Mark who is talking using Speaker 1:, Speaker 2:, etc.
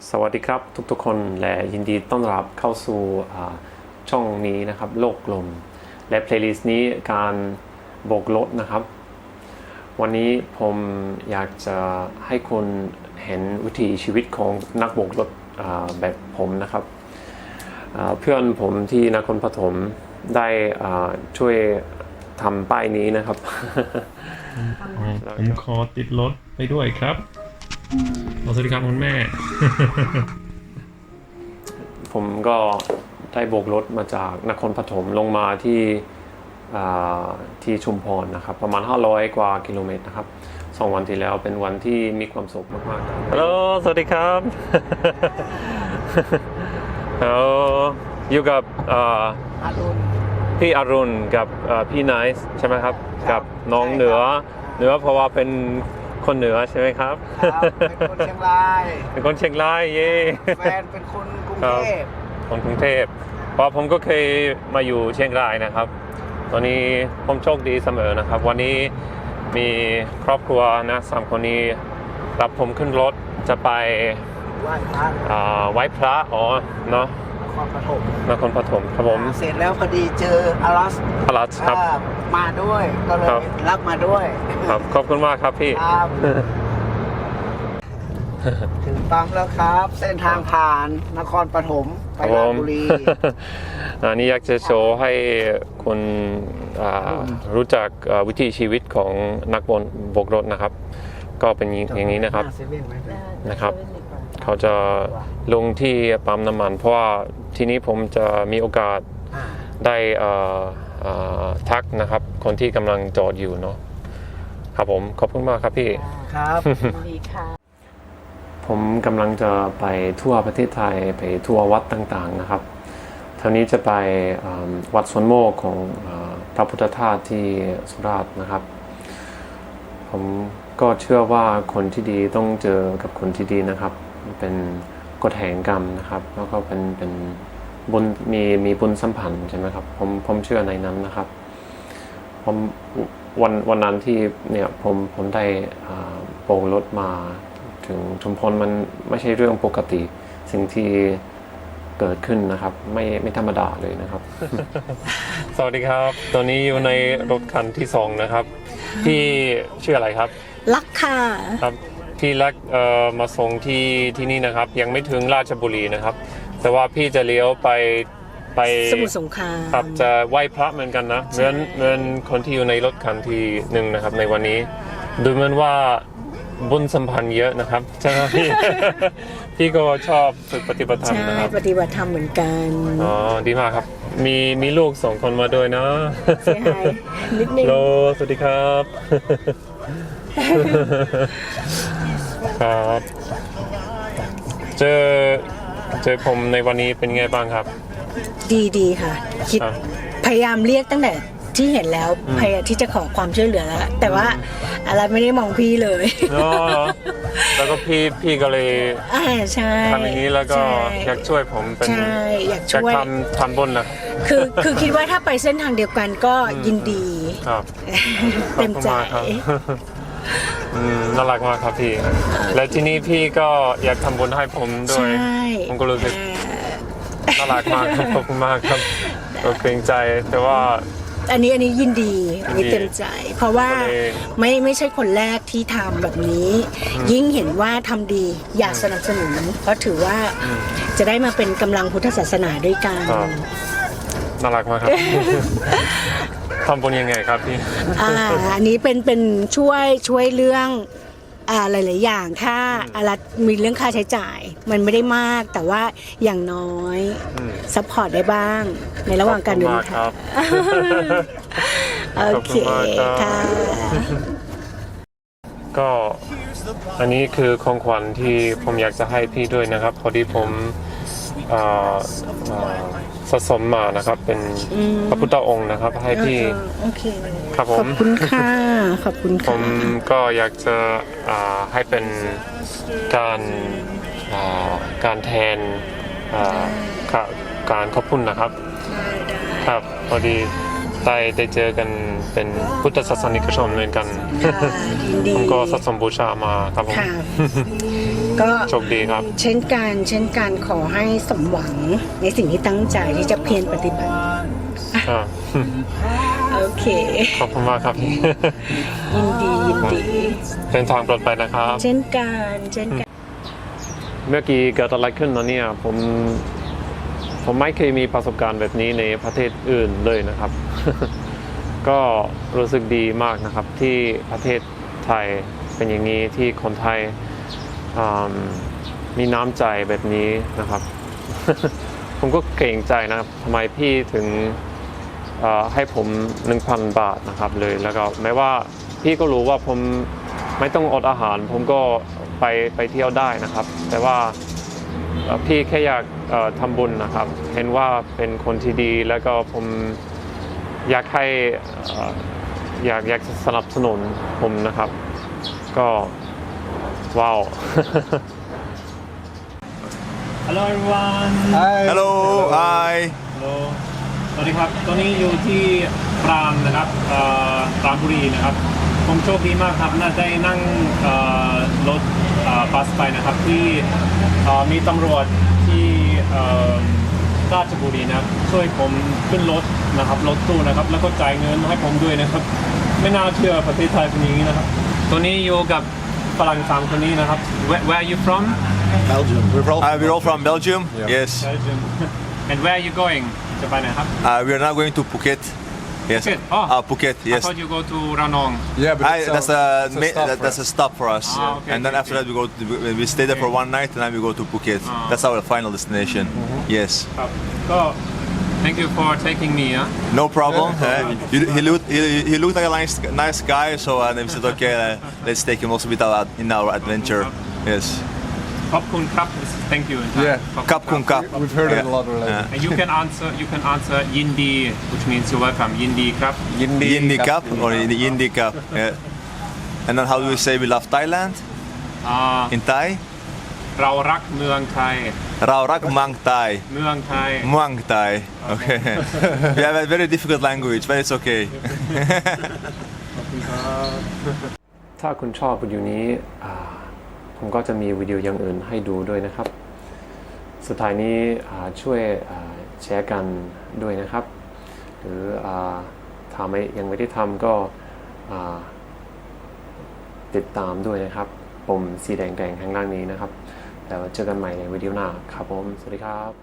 Speaker 1: สวัสดีครับทุกๆคนและยินดีต้อนรับเข้าสู่ช่องนี้นะครับโลกลมและเพลย์ลิสต์นี้การโบกรถนะครับวันนี้ผมอยากจะให้คุณเห็นวิถีชีวิตของนักโบกรถแบบผมนะครับเพื่อนผมที่นครปฐมได้ช่วยทำป้ายนี้นะครับ
Speaker 2: ผมขอติดรถไปด้วยครับสวัสดีครับคุณแม่
Speaker 1: ผมก็ได้โบกรถมาจากนครปฐมลงมาที่ชุมพรนะครับประมาณ500 กว่ากิโลเมตรนะครับ2 วันที่แล้วเป็นวันที่มีความสุขมากๆครับฮัลโหลสวัสดีครับอยู่กับพี่อรุณกับพี่ไนซ์ใช่ไหมครับกับน้องเหนือเพราะว่าเป็นคนเหนือใช่ไหมครับ
Speaker 3: เป็นคนเชียงราย
Speaker 1: เป็นคนเชียงรายเย่
Speaker 3: แฟนเป็นคนกรุงเทพ
Speaker 1: คนกรุงเทพเพราะผมก็เคยมาอยู่เชียงรายนะครับตอนนี้ผมโชคดีเสมอนะครับวันนี้มีครอบครัวนะ3 คนนี้รับผมขึ้นรถจะไปไหว้พระเนาะนครปฐมครับผม
Speaker 3: เสร็จแล้วพอดีเจออลัส
Speaker 1: ครับ
Speaker 3: มาด้วยก็เลยรับมาด้วย
Speaker 1: ครับขอบคุณมากครับพี่
Speaker 3: ถึงปั๊มแล้วครับเส้นทางผ่านนครปฐมไปราชบุรี
Speaker 1: อันนี้อยากจะโชว์ให้คนรู้จักวิถีชีวิตของนักโบกรถนะครับก็เป็นอย่างนี้นะครับเขาจะลงที่ปั๊มน้ำมันเพราะว่าทีนี้ผมจะมีโอกาสได้ทักนะครับคนที่กำลังจอดอยู่เนาะครับผมขอบคุณมากครับพี่
Speaker 3: ครับ
Speaker 1: ดีค่ะผมกำลังจะไปทั่วประเทศไทยไปทั่ววัดต่างๆนะครับท่านี้จะไปวัดสวนโมกของพระพุทธธาตุที่สุราษฎร์นะครับผมก็เชื่อว่าคนที่ดีต้องเจอกับคนที่ดีนะครับเป็นกฎแห่งกรรมนะครับแล้วก็เป็นบุญมีบุญสัมพันธ์ใช่ไหมครับผมเชื่อในนั้นนะครับผมวันนั้นที่เนี่ยผมได้โบกรถมาถึงชุมพรมันไม่ใช่เรื่องปกติสิ่งที่เกิดขึ้นนะครับไม่ธรรมดาเลยนะครับ สวัสดีครับตอนนี้อยู่ในรถคันที่2นะครับพี่ชื่ออะไรครับ
Speaker 4: ลักค่ะ
Speaker 1: ครับพี่ลักมาส่งที่นี่นะครับยังไม่ถึงราชบุรีนะครับแต่ว่าพี่จะเลี้ยวไป
Speaker 4: สมุทรสงคราม
Speaker 1: ครับจะไหว้พระเหมือนกันนะเหมือนคนที่อยู่ในรถคันที่1นะครับในวันนี้ดูเหมือนว่าบุญสัมพันธ์เยอะนะครับใช่ไหมพี่ก็ชอบฝึกปฏิบัติธรรมนะครับ
Speaker 4: ปฏิบัติธรรมเหมือนกัน
Speaker 1: อ๋อดีมากครับมีลูก2 คนมาด้วยนะ
Speaker 4: ใช่นิดนึง
Speaker 1: โลสวัสดีครับครับเจอผมในวันนี้เป็นไงบ้างครับ
Speaker 4: ดีค่ะคิดพยายามเรียกตั้งแต่ที่เห็นแล้วพยายามที่จะขอความช่วยเหลือแล้วแต่ว่าอะไรไม่ได้มองพี่เลย
Speaker 1: แล้วก็พี่ก็เลย
Speaker 4: ใช่
Speaker 1: ทำอย่างนี้แล้วก็อยากช่วยผมเป็น
Speaker 4: อยากช่วย
Speaker 1: ทำบุญนะ
Speaker 4: คือคิดว่าถ้าไปเส้นทางเดียวกันก็ยินดีเต็มใจ
Speaker 1: น่ารักมากครับพี่และที่นี่พี่ก็อยากทำบุญให้ผมด้วยผมก็รู้สึกน่ารักมากขอบคุณมากครับเกรงใจแต่ว่า
Speaker 4: อันนี้ยินดีอันนี้เต็มใจเพราะว่าไม่ใช่คนแรกที่ทำแบบนี้ยิ่งเห็นว่าทำดีอยากสนับสนุนเพราะถือว่าจะได้มาเป็นกำลังพุทธศาสนาด้วยกัน
Speaker 1: น่ารักมากครับทำบุญยังไงครับพี่
Speaker 4: อันนี้เป็นช่วยเรื่องหลายๆอย่างถ้าอะไรมีเรื่องค่าใช้จ่ายมันไม่ได้มากแต่ว่าอย่างน้อยซัพพอร์ตได้บ้างในระหว่างการเดินทางโอเคค่ะ
Speaker 1: ก็อันนี้คือของขวัญที่ผมอยากจะให้พี่ด้วยนะครับพอดีผมสะสมมานะครับเป็นพระพุทธองค์นะครับให้พี่ครับผม
Speaker 4: ขอบคุณค่ะขอบคุณค่ะ
Speaker 1: ผมก็อยากจะให้เป็นการแทนการขอบคุณนะครับครับพอดีได้เจอกันเป็นพุทธศาสนิกชนเหมือนกัน
Speaker 4: ค่ะยินดี
Speaker 1: ผมก็สะสมบูชามาครับผม
Speaker 4: ค่ะ ก็
Speaker 1: โชคดีครับ
Speaker 4: เช่นกันขอให้สมหวังในสิ่งที่ตั้งใจที่จะเพียรปฏิบัติ
Speaker 1: อ่า
Speaker 4: โอเค
Speaker 1: ขอบคุณมากครับ
Speaker 4: ยินดี
Speaker 1: เดินทางปลอดภัยนะครับ
Speaker 4: เช่นกัน
Speaker 1: เมื่อกี้เกิดอะไรขึ้นนะเนี่ยผมไม่เคยมีประสบการณ์แบบนี้ในประเทศอื่นเลยนะครับ ก็รู้สึกดีมากนะครับที่ประเทศไทยเป็นอย่างนี้ที่คนไทยมีน้ำใจแบบนี้นะครับ ผมก็เกรงใจนะครับทำไมพี่ถึงให้ผม 1,000 บาทนะครับเลยแล้วก็แม้ว่าพี่ก็รู้ว่าผมไม่ต้องอดอาหารผมก็ไปเที่ยวได้นะครับแต่ว่าพี่แค่อยากทำบุญนะครับเห็นว่าเป็นคนที่ดีแล้วก็ผมอยากให้อยากสนับสนุนผมนะครับก็ว้าว
Speaker 2: Hello everyone
Speaker 5: Hello hi
Speaker 2: Hello สวัสดีครับ ตอนนี้อยู่ที่ปรามนะครับปรามบุรีนะครับผมโชคดีมากครับน่าได้นั่งรถบัสไปนะครับที่มีตำรวจที่ราชบุรีนะครับช่วยผมขึ้นรถนะครับรถตู้นะครับแล้วก็จ่ายเงินให้ผมด้วยนะครับไม่น่าเชื่อประเทศไทยเป็นอย่างนี้นะครับตัวนี้อยู่กับฝรั่ง3คนนี้นะครับ Where are you from?
Speaker 3: Belgium
Speaker 5: we're all from Belgium yes
Speaker 2: Belgium And where are you going? จะไปไหนครับ
Speaker 5: we're now going to Phuket yes
Speaker 2: Phuket? Oh.
Speaker 5: Phuket
Speaker 2: I
Speaker 5: yes
Speaker 2: thought you go to Ranong.
Speaker 6: Yeah, but
Speaker 5: that's a stop for us
Speaker 2: okay,
Speaker 5: and then
Speaker 2: okay,
Speaker 5: after that we stay there for one night and then we go to Phuket that's our final destination yes
Speaker 2: ครับก็ Thank you for taking me.
Speaker 5: no problem he looked like a nice guy so then we said okay let's take him also with in our adventure yes
Speaker 2: ขอบคุณครับ Thank you.
Speaker 6: Yeah.
Speaker 5: กับคุณครับ
Speaker 6: we've heard it a lot already.
Speaker 2: And you can answer ยินดี which means you're welcome ยินดีครับ
Speaker 5: Yindi Cup or Yindi Cup yeah. and then how do we say we love Thailand
Speaker 2: อ่า
Speaker 5: in Thai
Speaker 2: เรารักเมืองไทย
Speaker 5: เรารักเมืองไทย
Speaker 2: เมืองไทย
Speaker 5: เมืองไทย okay we have a very difficult language but it's okay
Speaker 1: ถ้าคุณชอบวิดีโอนี้ผมก็จะมีวิดีโออย่างอื่นให้ดูด้วยนะครับ สุดท้ายนี้ช่วยแชร์กันด้วยนะครับ หรือถ้ายังไม่ได้ทำก็ติดตามด้วยนะครับปุ่มสีแดงๆข้างล่างนี้นะครับแล้วเจอกันใหม่ในวิดีโอหน้าครับผมสวัสดีครับ